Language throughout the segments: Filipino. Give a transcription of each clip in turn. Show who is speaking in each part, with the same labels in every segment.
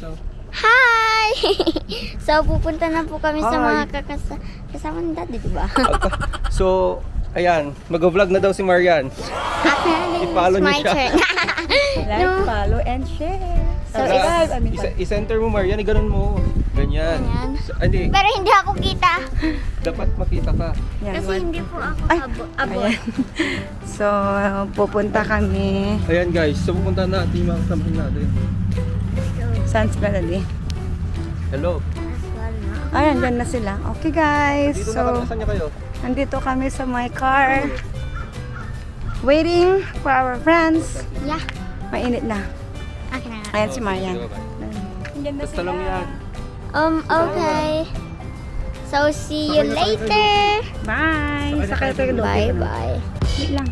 Speaker 1: Hi! So, pupunta na po kami sa mga kasama ni Daddy, di ba?
Speaker 2: So, ayan, mag-vlog na daw si Marian. I-follow niyo siya.
Speaker 3: Like, follow, and share.
Speaker 1: So,
Speaker 2: I-center mo, Marian, ganun mo. Ganyan.
Speaker 1: Ganyan.
Speaker 2: So, hindi,
Speaker 1: Pero hindi ako kita.
Speaker 2: dapat makita ka.
Speaker 3: Yan,
Speaker 1: Kasi hindi po ako abo.
Speaker 3: So, pupunta kami.
Speaker 2: Ayan guys, so pupunta natin yung mga kasamahan natin.
Speaker 3: Saan sila dali?
Speaker 2: Hello.
Speaker 3: Ayan, dyan na sila. Okay guys,
Speaker 2: Dito na
Speaker 3: so
Speaker 2: kami, saan niya kayo?
Speaker 3: nandito kami sa my car. Waiting for our friends.
Speaker 1: Yeah.
Speaker 3: Mainit na.
Speaker 1: Okay na nga.
Speaker 3: Ayan si Marian. Dyan na
Speaker 2: Basta lang yan.
Speaker 1: Okay. So, see you later.
Speaker 3: Bye! Sakay tayo doon.
Speaker 1: Bye-bye.
Speaker 3: Wait lang.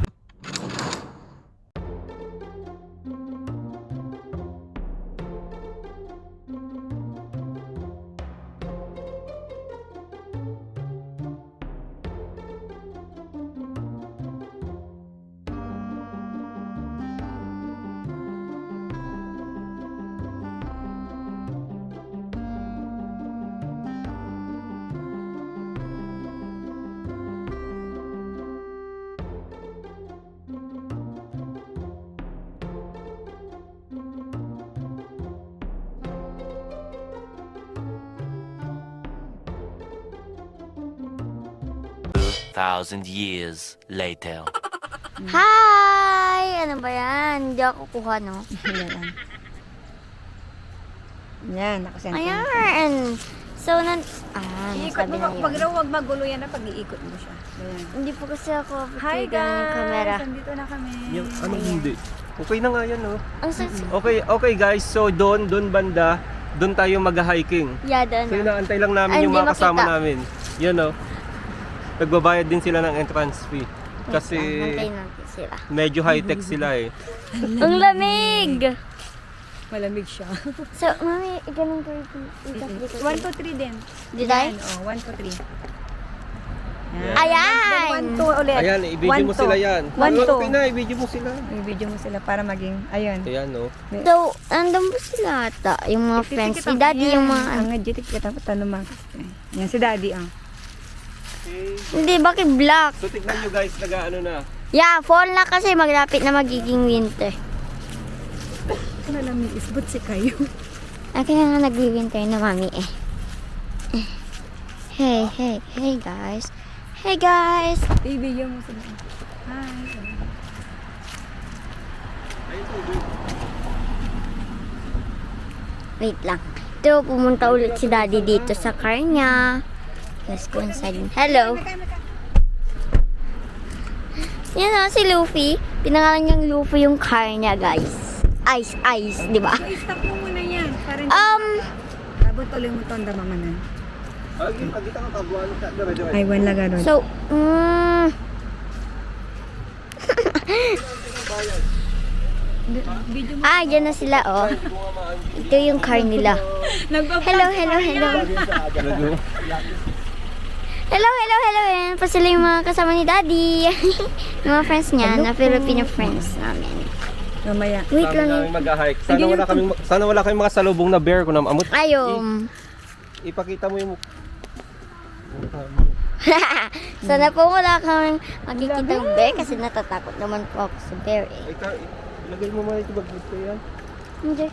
Speaker 4: Thousand years later.
Speaker 1: Hi! Ano ba yan? Hindi ako kuha, no?
Speaker 3: Yan, nakasenta.
Speaker 1: Ayan. So, sabi na yun.
Speaker 3: Pag raw wag magulo yan na pag-iikot mo siya. Ayan.
Speaker 1: Hindi po kasi ako
Speaker 3: Hi
Speaker 1: picture ng camera.
Speaker 3: guys! Nandito na kami.
Speaker 2: Yung, anong hindi? Okay na nga yan, no?
Speaker 1: Ang sexy.
Speaker 2: Okay guys, so doon banda, doon tayo mag-hiking.
Speaker 1: Yeah, doon.
Speaker 2: So inaantay lang namin
Speaker 1: Ay,
Speaker 2: yung
Speaker 1: hindi
Speaker 2: mga kasama
Speaker 1: makita.
Speaker 2: namin. Yan, no? Nagbabayad din sila ng entrance fee. Kasi
Speaker 1: Antayin natin sila.
Speaker 2: medyo high-tech sila eh.
Speaker 1: Ang lamig!
Speaker 3: Malamig siya.
Speaker 1: So, mami, ganun ko yung itas dito.
Speaker 3: 1, 2, 3 din.
Speaker 1: Did I?
Speaker 3: Oh, 1, 2, 3.
Speaker 1: Ayan!
Speaker 3: 1, 2 ulit.
Speaker 2: Ayan, i-video mo
Speaker 3: 1, 2.
Speaker 2: sila yan.
Speaker 3: 1, 2.
Speaker 2: Okay na, i-video mo sila.
Speaker 3: I-video mo sila para maging, ayun.
Speaker 2: Ayan, no?
Speaker 1: So, andun po sila ata, yung mga friends. Si Daddy yung mga
Speaker 3: Ang jitik kita tanong mga. Yan si Daddy ah.
Speaker 1: Hindi, bakit black?
Speaker 2: So tignan nyo guys, nag-ano na.
Speaker 1: Yeah, fall na kasi maglapit na magiging winter.
Speaker 3: Ano lang isbot si kayo.
Speaker 1: Kaya nga nag-winter na mami eh. Hey guys. Hey guys.
Speaker 3: I-video mo sila. Hi.
Speaker 1: Wait lang. Ito, pumunta ulit si Daddy dito sa car niya. Let's go inside. Hello. Yan o, si Luffy. Pinangalan niyang Luffy yung car niya, guys. Ice, di ba?
Speaker 3: I-stop mo muna yan. Parang abot ulit mo ito ang damamanan. Ay, one laga doon.
Speaker 1: So, dyan na sila, oh. Ito yung car nila. Hello. Yan pa sila yung mga kasama ni Daddy. Yung mga friends niya, na Filipino friends namin.
Speaker 3: Mamaya.
Speaker 1: Wait
Speaker 2: Sabi
Speaker 1: lang.
Speaker 2: namin mag-hike. Sana wala kaming makasalubong na bear ko na amot.
Speaker 1: Ayom.
Speaker 2: Ipakita mo yung
Speaker 1: Sana po wala kang makikitang bear kasi natatakot naman po ako sa bear eh.
Speaker 2: Ilagay mo muna ito bag-bit ko yan.
Speaker 1: Hindi.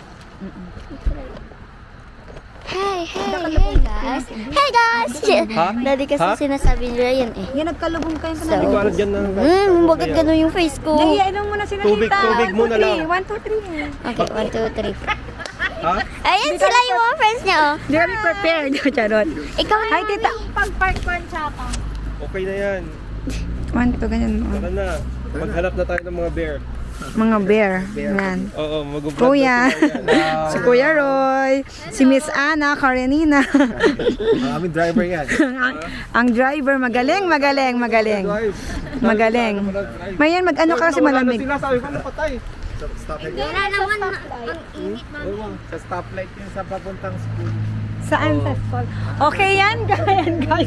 Speaker 1: Hey guys. Hey guys.
Speaker 2: Ha?
Speaker 1: Daddy kasi
Speaker 2: Ha?
Speaker 1: sinasabi nila yan eh.
Speaker 3: Yan, nagkalubong kayo
Speaker 1: So,
Speaker 2: Hindi ko alam dyan na.
Speaker 1: bakit ganun yung face ko?
Speaker 3: Iinom mo na sila
Speaker 2: Tubig muna lang.
Speaker 3: 1, 2, 3.
Speaker 1: Okay, 1, 2, 3.
Speaker 2: Ha?
Speaker 1: Ayan sila yung mga friends niya oh.
Speaker 3: Hindi kami prepared. Charot.
Speaker 1: Ikaw na.
Speaker 3: Hi, tita.
Speaker 2: Okay na yan.
Speaker 3: 1, 2, ganyan mo.
Speaker 2: Tara na. Maghanap na tayo ng mga bear.
Speaker 3: Mga bear. Yan.
Speaker 2: Oo, mag-vlog
Speaker 3: Kuya.
Speaker 2: na sila yan.
Speaker 3: Si Kuya Roy. Si Miss Ana Karenina.
Speaker 2: Ang aming driver yan.
Speaker 3: Ang driver. Magaling. Mayan, mag-ano ka kasi malamig.
Speaker 2: Sila sabi ko, napatay.
Speaker 1: Wala naman ang init mami.
Speaker 2: Sa stoplight yun sa papuntang school.
Speaker 3: Saan sa school? Okay yan, guys.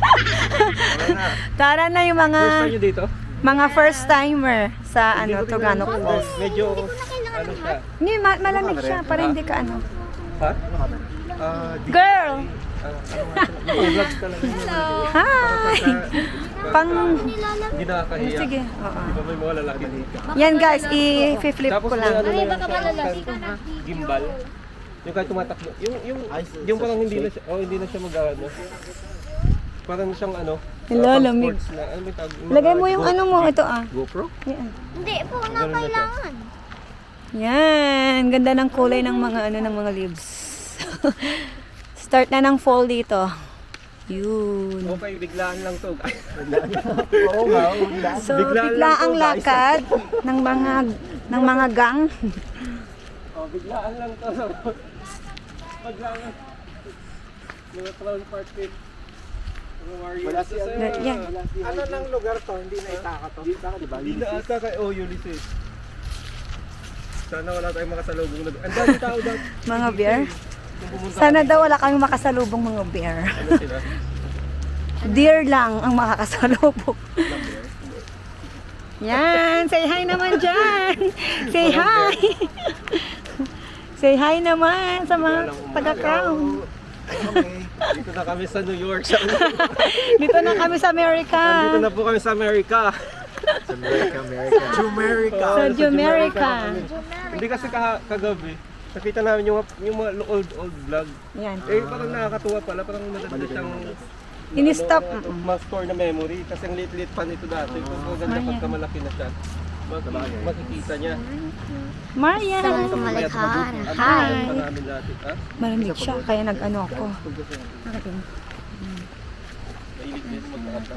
Speaker 3: Tara na yung
Speaker 2: First time
Speaker 3: mga
Speaker 2: nyo dito?
Speaker 3: first timer sa Tugano Falls.
Speaker 2: Medyo, ano siya.
Speaker 3: Hindi, malamig siya para hindi ka ano.
Speaker 2: Ha?
Speaker 5: Girl!
Speaker 2: Vlog talaga.
Speaker 5: Hi! Pang...
Speaker 2: Hindi nakakahiya.
Speaker 5: Sige. Oo.
Speaker 2: Di ba may mga lalaki dito?
Speaker 5: Yan guys, i-flip
Speaker 2: Tapos
Speaker 5: ko
Speaker 2: may
Speaker 5: lang.
Speaker 2: ano na yan, gimbal. Yung kahit tumatakbo. Yung parang hindi na siya, hindi na siya mag-ano. Parang siyang ano.
Speaker 5: Hello,
Speaker 2: pang
Speaker 5: lamig.
Speaker 2: sports na, ano may tawag?
Speaker 5: Lagay mo yung ano mo, ito ah.
Speaker 2: GoPro?
Speaker 5: Yan.
Speaker 1: Hindi po na
Speaker 2: Ganun na siya.
Speaker 1: kailangan.
Speaker 5: Yan, ganda ng kulay ng mga ano ng mga leaves. Start na ng fall dito. Yun.
Speaker 2: Okay, biglaan lang to.
Speaker 5: So,
Speaker 2: Biglaan
Speaker 5: bigla
Speaker 2: lang to,
Speaker 5: ang
Speaker 2: guys.
Speaker 5: lakad ng mga gang.
Speaker 2: Biglaan lang to. Biglaan lang. Mga clown party. Mga warriors.
Speaker 5: Yan.
Speaker 6: Ano ng lugar to? Hindi na Itaka to.
Speaker 2: Hindi na ata kay Ulysses. Sana wala tayong makasalubong na. Ang dami tao daw.
Speaker 5: Mga bear.
Speaker 2: Kung pumunta
Speaker 5: Sana daw wala kang makasalubong mga bear.
Speaker 2: ano sila?
Speaker 5: Deer lang ang makakasalubong. Yan, say hi naman dyan. Say hi. Say hi naman sa mga taga-crown.
Speaker 2: Dito na kami sa New York.
Speaker 5: Dito na kami sa America.
Speaker 2: Dito na po kami sa America.
Speaker 6: Jumerica.
Speaker 5: Sa Jumerica.
Speaker 2: Hindi kasi kagabi, nakita namin yung mga old vlog.
Speaker 5: Yan.
Speaker 2: Eh parang nakakatuwa pala, parang madali siyang
Speaker 5: Ini-stop.
Speaker 2: ma-store na memory kasi ang liit-liit pa nito dati. Kung maganda pagka malaki na siya, makikita niya.
Speaker 5: Maria.
Speaker 1: Saan tumalikhan?
Speaker 2: Ang
Speaker 1: Hi!
Speaker 2: pa namin dati. Ha?
Speaker 5: Malamig siya, kaya nag-ano ako.
Speaker 2: Mahilig din magkakata.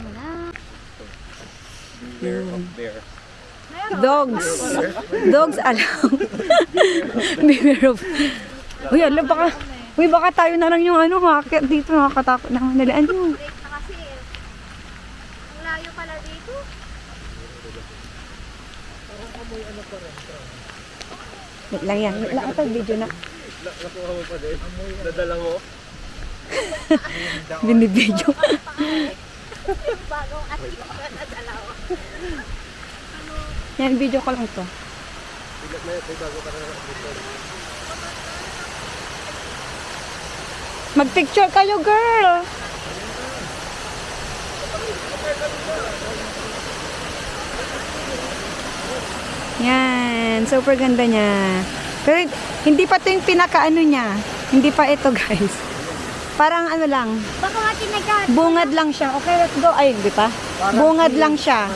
Speaker 2: Beware of bear.
Speaker 5: Dogs. Dogs alam. Beware of... Uy, alam, baka tayo na lang yung ano, makakit dito, nakakatakot na nalaan yung...
Speaker 1: Kasi, ang layo pala dito.
Speaker 5: Wait lang yan. Wait lang ito, video na.
Speaker 2: Nakuha mo pa din. Nadala mo.
Speaker 5: Binibidyo.
Speaker 1: Bagong atik na dalawa.
Speaker 5: Yan, video ko lang to. Mag-picture kayo, girl! Yan, super ganda niya. Pero hindi pa to yung pinaka-ano niya. Hindi pa ito, guys. Parang ano lang,
Speaker 1: Baka nga tinagat.
Speaker 5: bungad lang siya. Okay, let's go. Ay, hindi pa. Bungad lang siya.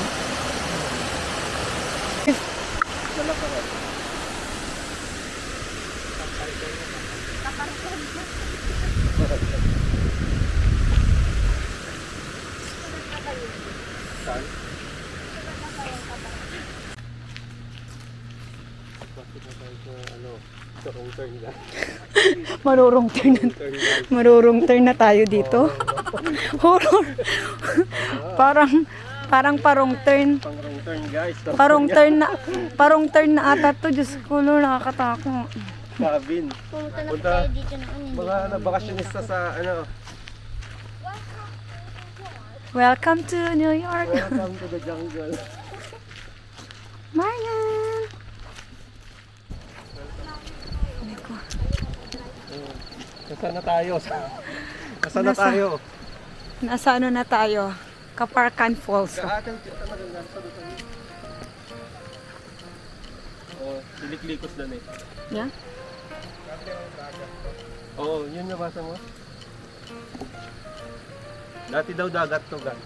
Speaker 5: Marurong turn na tayo dito. Horror. Parang parong turn.
Speaker 2: Pang-wrong turn guys.
Speaker 5: Parong turn na ata to. Diyos ko, Lord, nakakatakot.
Speaker 2: Cabin.
Speaker 1: Pumunta na po
Speaker 2: Punta.
Speaker 1: tayo dito noon.
Speaker 2: Mga nabakasyonista sa ano.
Speaker 5: Welcome to New York.
Speaker 2: Welcome to the jungle.
Speaker 5: Marian.
Speaker 2: Nasaan na tayo? Nasaan na tayo?
Speaker 5: Nasa ano na tayo? Kaparkan Falls.
Speaker 2: Sa atin, maganda sa doon. Oh, siliklikos doon eh.
Speaker 5: Yeah?
Speaker 2: Oo, yun nabasa mo. Dati daw dagat to, gan.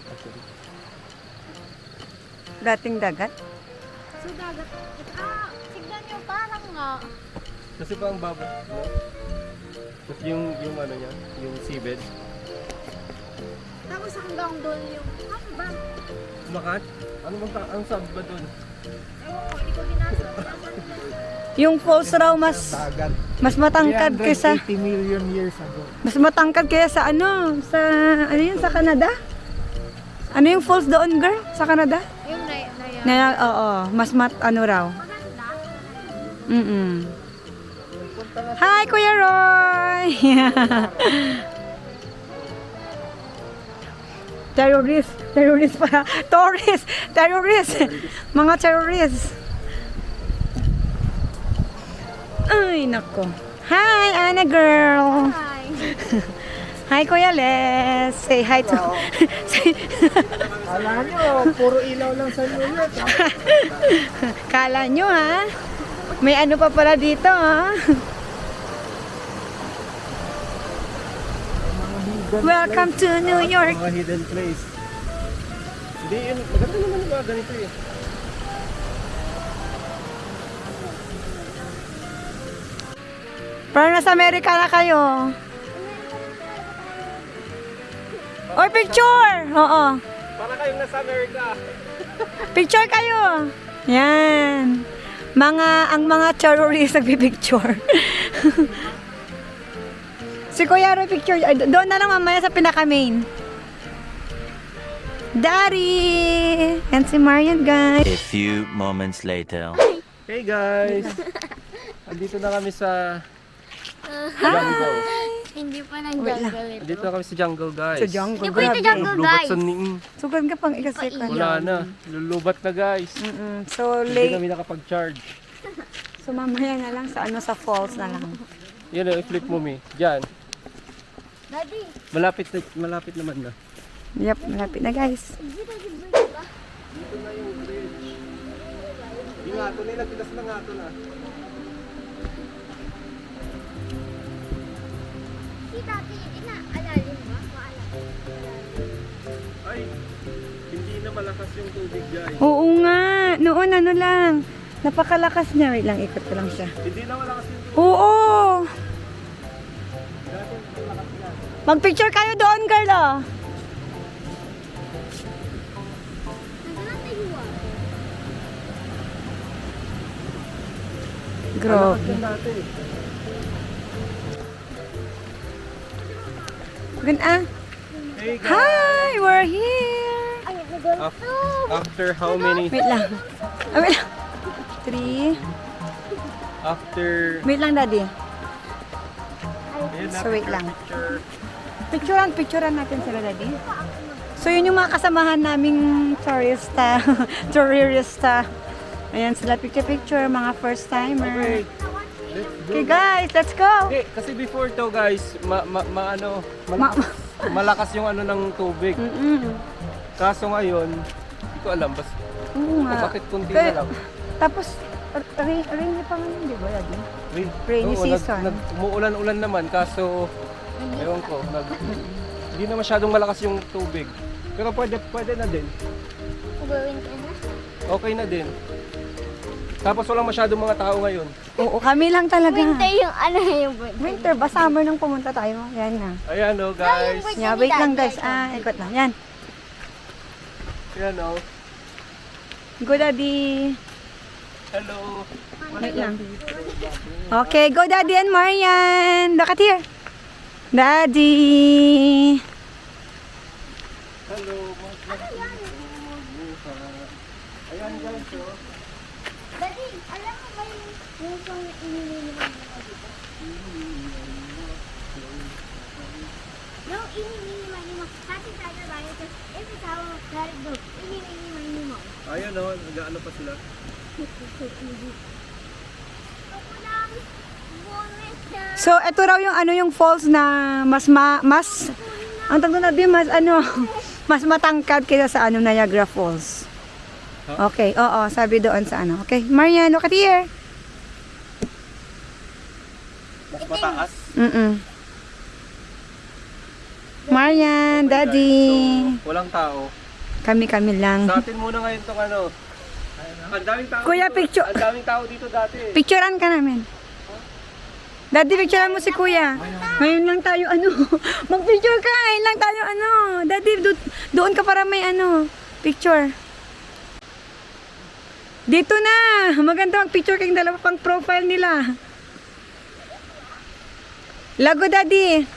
Speaker 5: Dating dagat.
Speaker 1: So, dagat. Tignan nyo, parang nga.
Speaker 2: Kasi pa ang baba, no? Tapos yung ano niya, yung seabed.
Speaker 1: Tapos hanggang doon yung, ano ba?
Speaker 2: Makat? Ano bang ang sab ba doon?
Speaker 1: Ewan ko, hindi ko binasa.
Speaker 5: Yung falls raw mas matangkad kaysa
Speaker 6: 80 million years ago.
Speaker 5: mas matangkad kaya sa ano yun sa Canada? Ano yung falls doon, girl? Sa Canada?
Speaker 1: Yung na
Speaker 5: Oo, mas ano raw. Mm. Hi, Kuya Roy! Terrorist pala. Terrorist! Mga terrorist. Ay, nako. Hi, Anna girl.
Speaker 1: Hi.
Speaker 5: Hi, Kuya Les. Say hi to...
Speaker 6: Kala nyo, puro ilaw lang sa New York.
Speaker 5: Kala nyo, ha? May ano pa pala dito, ha? Welcome to New York.
Speaker 2: Mga hidden place. Hindi yun, maganda naman yung mga ganito eh.
Speaker 5: Parang nasa Amerika na kayo. Or picture! Oo.
Speaker 2: Para kayong nasa Amerika.
Speaker 5: Picture kayo. Yan. Ang mga terrorists nagpipicture. Si Kuya Roy picture. Ay, doon na lang mamaya sa pinaka-main. Daddy! And si Marian, guys.
Speaker 4: A few moments later.
Speaker 2: Hey guys! Andito na kami sa jungle.
Speaker 1: Hindi pa nag-jungle ito.
Speaker 2: Andito na kami sa jungle guys.
Speaker 5: Sa jungle,
Speaker 1: Hindi po ito
Speaker 5: grabe.
Speaker 1: jungle,
Speaker 2: Lubat
Speaker 1: guys.
Speaker 2: sa ning.
Speaker 5: Sugod ka pang ikasecond.
Speaker 2: Wala na. Lulubat na guys.
Speaker 5: So,
Speaker 2: Hindi
Speaker 5: late.
Speaker 2: kami nakapag-charge.
Speaker 5: So, mamaya na lang sa sa falls na lang.
Speaker 2: Yan o, i-flip mo mi. Diyan.
Speaker 1: Daddy,
Speaker 2: Malapit naman na.
Speaker 5: Yep, malapit na, guys.
Speaker 2: Yung ato na, nagtilas na nga ato na.
Speaker 1: si Daddy, inaalalim ba?
Speaker 2: Ay, hindi na malakas yung tubig guys.
Speaker 5: Oo nga. Noon, ano lang. Napakalakas niya. Wait lang, ikot ko lang siya.
Speaker 2: Hindi na malakas yung tubig.
Speaker 5: Oo! Mag-picture kayo doon, girl, oh. Grabe. Good, ah.
Speaker 2: Hey guys!
Speaker 5: Hi! We're here!
Speaker 2: After how many?
Speaker 5: Wait lang. Ah, wait lang. 3.
Speaker 2: After...
Speaker 5: Wait lang, daddy.
Speaker 2: Ayun na,
Speaker 5: So, wait lang.
Speaker 2: picture.
Speaker 5: Picturean natin sila, daddy. So, yun yung mga kasamahan naming tourista. Tourista. Ayan sila, picture, mga first timer.
Speaker 2: Okay. Let's go.
Speaker 5: Okay, guys, let's go!
Speaker 2: Okay, kasi before to guys, malakas yung ano ng tubig. Kaso ngayon, hindi ko alam basta
Speaker 5: Oo nga.
Speaker 2: bakit kunti
Speaker 5: Kaya-
Speaker 2: na lang.
Speaker 5: Tapos, rainy pa ngayon, di ba, daddy? Rainy
Speaker 2: Oo,
Speaker 5: season.
Speaker 2: umuulan-ulan naman kaso ewan ko, hindi na masyadong malakas yung tubig. Pero pwede na din.
Speaker 1: Gawin ka na.
Speaker 2: Okay na din. Tapos walang masyadong mga tao ngayon.
Speaker 5: Oo, kami lang talaga.
Speaker 1: Winter yung ano yung
Speaker 5: Winter ba? Summer nang pumunta tayo. Yan na.
Speaker 2: Ayan o guys.
Speaker 5: Yeah, wait lang, guys. Ikot lang. Yan.
Speaker 2: Ayan o.
Speaker 5: Go, daddy.
Speaker 2: Hello.
Speaker 5: Wait lang. Okay, go, daddy and Marian. Look at here. Daddy.
Speaker 2: Hello. Ayan guys o.
Speaker 1: Daddy, alam mo ba yung song na inililiman mo dito? Yung inililiman mo, kasi tayo ba ito, every time galing doon, inililiman mo.
Speaker 2: Ayan o. Nag-ano pa sila.
Speaker 5: So, ito raw yung yung falls na mas ang tawag na din mas mas matangkad kaysa sa Niagara Falls. Okay, oo, sabi doon sa Okay, Marian, look at here.
Speaker 2: Mas mataas.
Speaker 5: Marian, daddy.
Speaker 2: So, walang tao.
Speaker 5: Kami lang.
Speaker 2: Sa atin muna ngayon itong ano. Ang daming tao
Speaker 5: Kuya,
Speaker 2: dito.
Speaker 5: picture.
Speaker 2: Ang daming tao dito dati.
Speaker 5: Picturean ka namin. Daddy, picturean mo si Kuya. Ngayon lang tayo mag-picture ka. Ngayon lang tayo Daddy, doon ka para may picture. Dito na. Maganda mag-picture kayong dalawa pang profile nila. Lago, Daddy.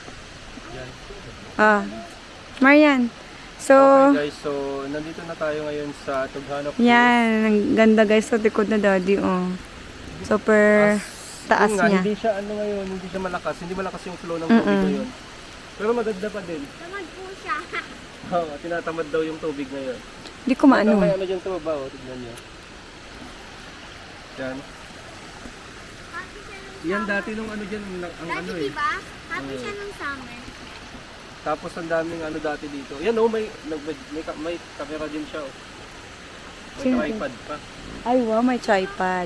Speaker 5: Marian. So,
Speaker 2: Okay guys, so nandito na tayo ngayon sa Tughanap.
Speaker 5: yan. Ang ganda guys sa likod na Daddy. Super taas
Speaker 2: Nga,
Speaker 5: niya.
Speaker 2: hindi siya ngayon, hindi siya malakas. Hindi malakas yung flow ng tubig ngayon. Pero maganda pa din.
Speaker 1: Tamad po siya.
Speaker 2: Oo, tinatamad daw yung tubig ngayon.
Speaker 5: Hindi ko maano.
Speaker 2: May ano dyan ito ba? Tignan niyo. Yan.
Speaker 1: Kasi siya nung
Speaker 2: Yan dati nung ano dyan, ang ano
Speaker 1: Dati
Speaker 2: eh.
Speaker 1: diba? Happy siya nung summer.
Speaker 2: Tapos ang daming ano dati dito. Yan oh, may camera din siya oh. May
Speaker 5: Sino?
Speaker 2: tripod pa.
Speaker 5: Ay, wow, may tripod.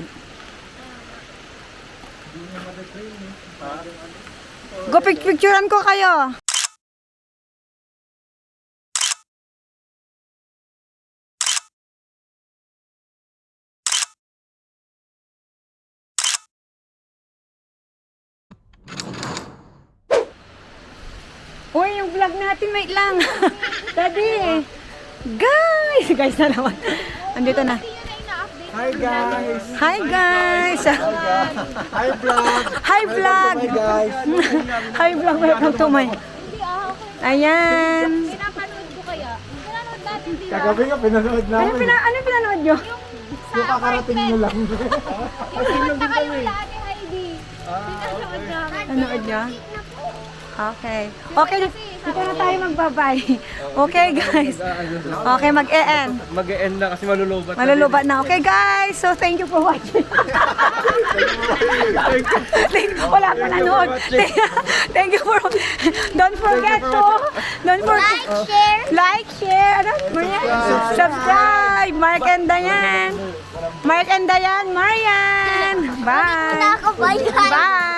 Speaker 5: Go, picturean ko kayo. Uy, yung vlog natin, wait lang. Daddy. Guys na naman. Andito na.
Speaker 6: Hi guys!
Speaker 5: Hi guys.
Speaker 6: Hi vlog!
Speaker 5: Hi vlog.
Speaker 6: Hi guys!
Speaker 5: Hi vlog, welcome to my. Ayan.
Speaker 1: Pinapanood ko kaya. Pinanood natin diba?
Speaker 6: Kagabi nga pinanood
Speaker 5: Ano
Speaker 6: namin.
Speaker 5: ano pinanood nyo?
Speaker 6: Yung kakarating nyo lang.
Speaker 1: Yung sa kayo lahat ni Heidi. Pinanood namin.
Speaker 5: Nanood nyo? Okay. Okay, dito na tayo magbabay. Okay guys. Okay, mag-e-end.
Speaker 2: Mag-e-end na kasi malulubat.
Speaker 5: Malulubat na. Okay guys, so thank you for watching. Wala pa nanood. Thank you for, don't forget like, share, ano? Subscribe. Mark and Diane. Marian. Bye.
Speaker 1: Bye.
Speaker 5: Bye.